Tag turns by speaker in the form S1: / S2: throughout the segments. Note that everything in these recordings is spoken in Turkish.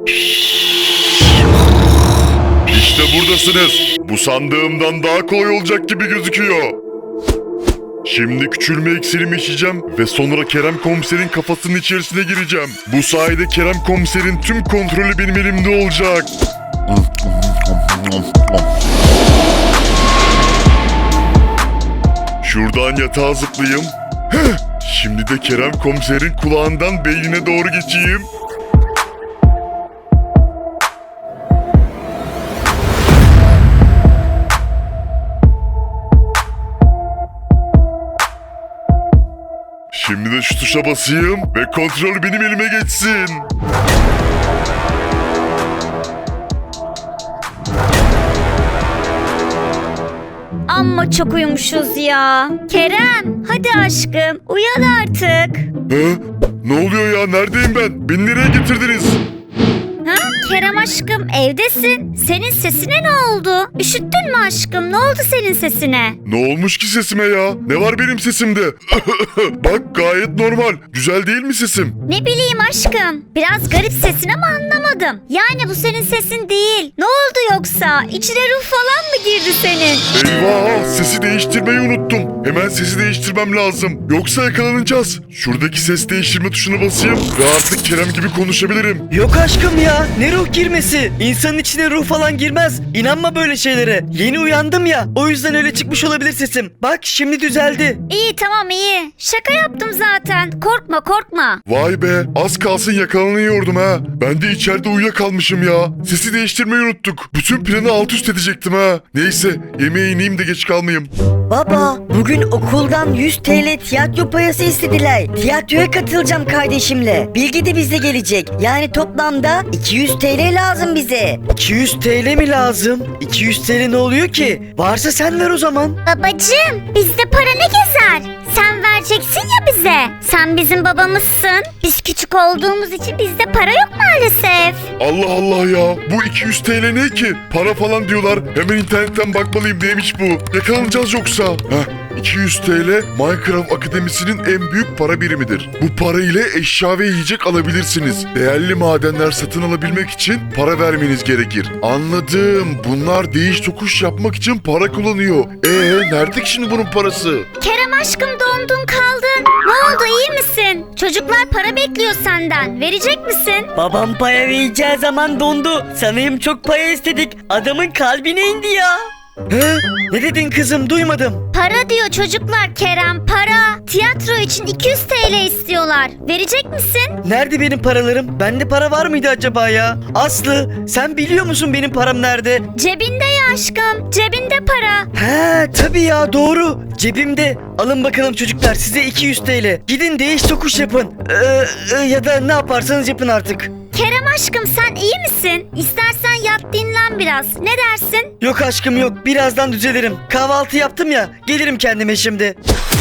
S1: İşte buradasınız. Bu sandığımdan daha kolay olacak gibi gözüküyor. Şimdi küçülme iksirimi içeceğim ve sonra Kerem Komiser'in kafasının içerisine gireceğim. Bu sayede Kerem Komiser'in tüm kontrolü benim elimde olacak. Şuradan yatağa zıplayayım. Heh, şimdi de Kerem Komiser'in kulağından beynine doğru geçeyim. Şimdi de şu tuşa basayım ve kontrol benim elime geçsin.
S2: Amma çok uyumuşuz ya. Kerem, hadi aşkım, uyan artık.
S1: He? Ne oluyor ya? Neredeyim ben? Beni nereye getirdiniz?
S2: Ha? Kerem aşkım, evdesin. Senin sesine ne oldu? Üşüttün mü aşkım? Ne oldu senin sesine?
S1: Ne olmuş ki sesime ya? Ne var benim sesimde? Bak gayet normal. Güzel değil mi sesim?
S2: Ne bileyim aşkım. Biraz garip sesin ama anlamadım. Yani bu senin sesin değil. Ne oldu yoksa? İçine ruh falan mı girdi senin?
S1: Eyvah! Sesi değiştirmeyi unuttum. Hemen sesi değiştirmem lazım. Yoksa yakalanacağız. Şuradaki ses değiştirme tuşuna basayım ve artık Kerem gibi konuşabilirim.
S3: Yok aşkım ya, ne ruh girmesi? İnsanın içine ruh falan girmez. İnanma böyle şeylere. Yeni uyandım ya, o yüzden öyle çıkmış olabilir sesim. Bak şimdi düzeldi.
S2: İyi tamam iyi. Şaka yaptım zaten. Korkma korkma.
S1: Vay be! Az kalsın yakalanıyordum ha. Ben de içeride uyuyakalmışım ya. Sesi değiştirmeyi unuttuk. Bütün planı alt üst edecektim ha. Neyse yemeğe ineyim de geç kalmayayım.
S4: Baba, bugün okuldan 100 TL tiyatro parası istediler. Tiyatroya katılacağım kardeşimle. Bilgi de bizle gelecek. Yani toplamda 200 TL lazım bize.
S3: 200 TL mi lazım? 200 TL ne oluyor ki? Varsa sen ver o zaman.
S2: Babacığım bizde para ne gezer? Sen vereceksin ya bize. Sen bizim babamızsın. Biz küçük olduğumuz için bizde para yok maalesef.
S1: Allah Allah ya. Bu 200 TL ne ki? Para falan diyorlar. Hemen internetten bakmalıyım neymiş bu. Yakalanacağız yoksa. Heh. 200 TL Minecraft Akademisi'nin en büyük para birimidir. Bu para ile eşya ve yiyecek alabilirsiniz. Değerli madenler satın alabilmek için para vermeniz gerekir. Anladım. Bunlar değiş tokuş yapmak için para kullanıyor. Nerede ki şimdi bunun parası?
S2: Kerem aşkım dondun kaldın. Ne oldu iyi misin? Çocuklar para bekliyor senden. Verecek misin?
S4: Babam para vereceği zaman dondu. Sanırım çok para istedik. Adamın kalbine indi ya.
S3: He? Ne dedin kızım, duymadım.
S2: Para diyor çocuklar Kerem para. Tiyatro için 200 TL istiyorlar. Verecek misin?
S3: Nerede benim paralarım? Bende para var mıydı acaba ya? Aslı, sen biliyor musun benim param nerede?
S2: Cebinde ya aşkım. Cebinde para.
S3: He tabii ya, doğru. Cebimde. Alın bakalım çocuklar, size 200 TL. Gidin değiş tokuş yapın. Ya da ne yaparsanız yapın artık.
S2: Kerem aşkım sen iyi misin? İstersen yat dinlen biraz. Ne dersin?
S3: Yok aşkım yok, birazdan düzelirim. Kahvaltı yaptım ya, gelirim kendime şimdi.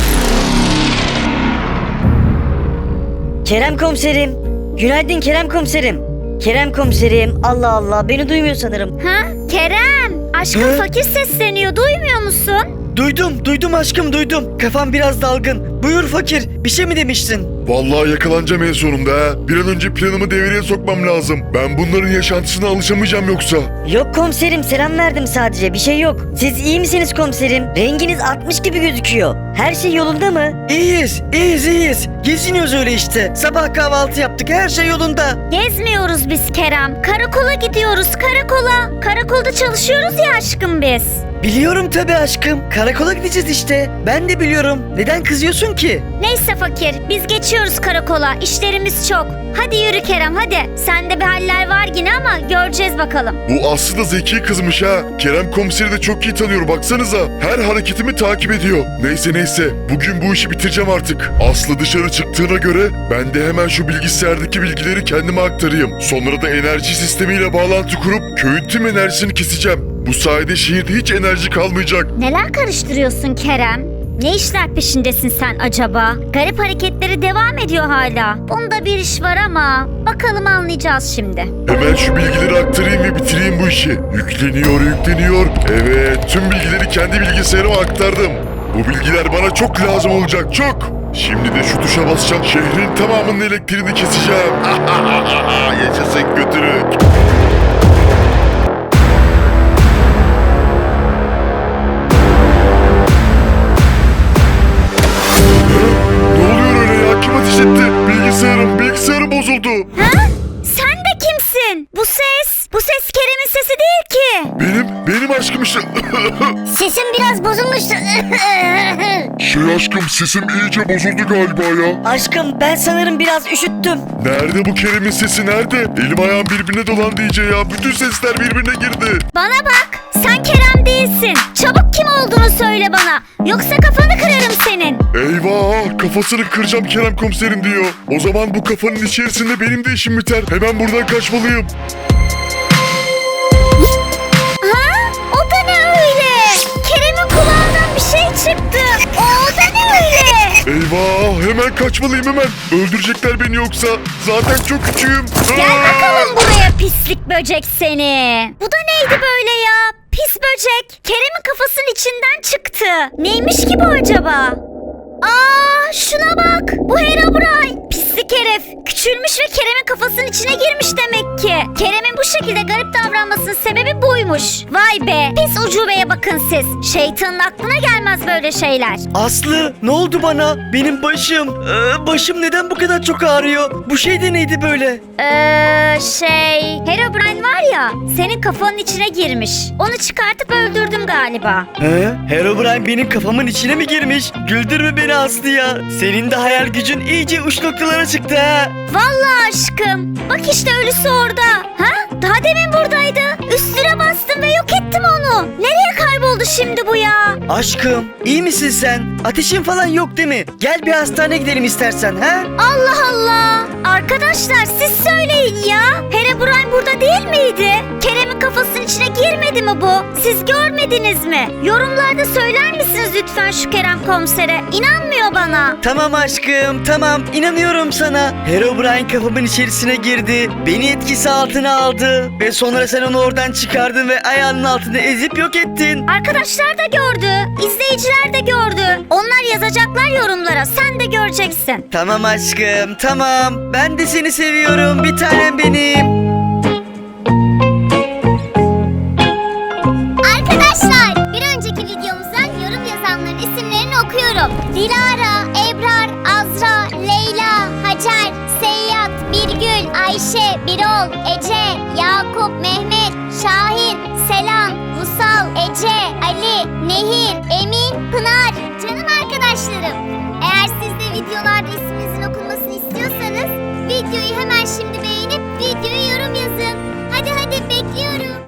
S4: Kerem komiserim. Günaydın Kerem komiserim. Kerem komiserim. Allah Allah, beni duymuyor sanırım.
S2: Ha? Kerem. Aşkım
S3: Hı?
S2: fakir sesleniyor. Duymuyor musun?
S3: Duydum aşkım duydum. Kafam biraz dalgın. Buyur fakir, bir şey mi demiştin?
S1: Vallahi yakalanacağım en sonunda ha. Bir an önce planımı devreye sokmam lazım. Ben bunların yaşantısına alışamayacağım yoksa.
S4: Yok komiserim, selam verdim sadece, bir şey yok. Siz iyi misiniz komiserim? Renginiz atmış gibi gözüküyor. Her şey yolunda mı?
S3: İyiyiz. Geziniyoruz öyle işte. Sabah kahvaltı yaptık, her şey yolunda.
S2: Gezmiyoruz biz Kerem. Karakola gidiyoruz karakola. Karakolda çalışıyoruz ya aşkım biz.
S3: Biliyorum tabii aşkım. Karakola gideceğiz işte. Ben de biliyorum. Neden kızıyorsun ki?
S2: Neyse fakir biz geçiyoruz karakola. İşlerimiz çok. Hadi yürü Kerem hadi. Sende bir haller var yine ama göreceğiz bakalım.
S1: Bu Aslı da zeki kızmış ha. Kerem komiseri de çok iyi tanıyor baksanıza. Her hareketimi takip ediyor. Neyse. Bugün bu işi bitireceğim artık. Aslı dışarı çıktığına göre ben de hemen şu bilgisayardaki bilgileri kendime aktarayım. Sonra da enerji sistemiyle bağlantı kurup köyün tüm enerjisini keseceğim. Bu sayede şehirde hiç enerji kalmayacak.
S2: Neler karıştırıyorsun Kerem? Ne işler peşindesin sen acaba? Garip hareketleri devam ediyor hala. Bunda bir iş var ama bakalım anlayacağız şimdi.
S1: Hemen şu bilgileri aktarayım ve bitireyim bu işi. Yükleniyor. Evet, tüm bilgileri kendi bilgisayarıma aktardım. Bu bilgiler bana çok lazım olacak, çok. Şimdi de şu tuşa basacağım. Şehrin tamamının elektriğini keseceğim. Yaşasın götürük.
S2: Ha? Sen de kimsin? Bu ses Kerem'in sesi değil ki.
S1: Benim aşkım işte.
S2: Sesin biraz bozulmuştu.
S1: Aşkım sesim iyice bozuldu galiba ya.
S4: Aşkım ben sanırım biraz üşüttüm.
S1: Nerede bu Kerem'in sesi nerede? Elim ayağım birbirine dolandı iyice ya. Bütün sesler birbirine girdi.
S2: Bana bak, sen Kerem değilsin. Çabuk kim olduğunu söyle bana. Yoksa kafanı kırarım senin.
S1: Eyvah, kafasını kıracağım Kerem komiserin diyor. O zaman bu kafanın içerisinde benim de işim biter. Hemen buradan kaçmalıyım.
S2: Ha? O da ne öyle? Kerem'in kulağından bir şey çıktı. O da ne öyle?
S1: Eyvah, hemen kaçmalıyım hemen. Öldürecekler beni yoksa. Zaten çok küçüğüm.
S2: Gel
S1: Aa!
S2: bakalım buraya pislik böcek seni. Bu da neydi böyle ya? Pis böcek. Kerem'in kafasının içinden çıktı. Neymiş ki bu acaba? Aa, şuna bak. Bu Herobrine. Pislik herif. Küçülmüş ve Kerem'in kafasının içine girmiş demek ki. Kerem'in bu şekilde garip davranmasının sebebi buymuş. Vay be. Pis ucubeye bakın siz. Şeytanın aklına gelmez böyle şeyler.
S3: Aslı ne oldu bana? Benim başım. Başım neden bu kadar çok ağrıyor? Bu şey de neydi böyle?
S2: Herobrine var ya, senin kafanın içine girmiş. Onu çıkartıp öldürdüm galiba.
S3: He? Herobrine benim kafamın içine mi girmiş? Güldürme beni Aslı ya. Senin de hayal gücün iyice uç noktalara çıktı ha.
S2: Vallahi aşkım. Bak işte ölüsü orada. Ha? Daha demin buradaydı. Üstüne bastım ve yok ettim onu. Nereye kayboldu şimdi bu ya?
S3: Aşkım iyi misin sen? Ateşin falan yok değil mi? Gel bir hastaneye gidelim istersen ha?
S2: Allah Allah. Arkadaşlar siz söyleyin ya. Herobrine burada değil miydi? Kerem'in kafasının içine girmedi mi bu? Siz görmediniz mi? Yorumlarda söyler misiniz lütfen şu Kerem komisere? İnanmıyor bana.
S3: Tamam aşkım tamam inanıyorum sana. Herobrine kafamın içerisine girdi. Beni etkisi altına aldı. Ve sonra sen onu oradan çıkardın ve ayağının altında ezip yok ettin.
S2: Arkadaşlar da gördü. İzleyiciler de gördü. Onlar yazacaklar yorumlara. Sen de göreceksin.
S3: Tamam aşkım tamam. Ben de seni seviyorum bir tanem benim.
S5: Arkadaşlar bir önceki videomuzdan yorum yazanların isimlerini okuyorum. Dilara, Ebrar, Azra, Leyla, Hacer, Seyyat, Birgül, Ayşe, Birol, Ece, Yakup, Mehmet,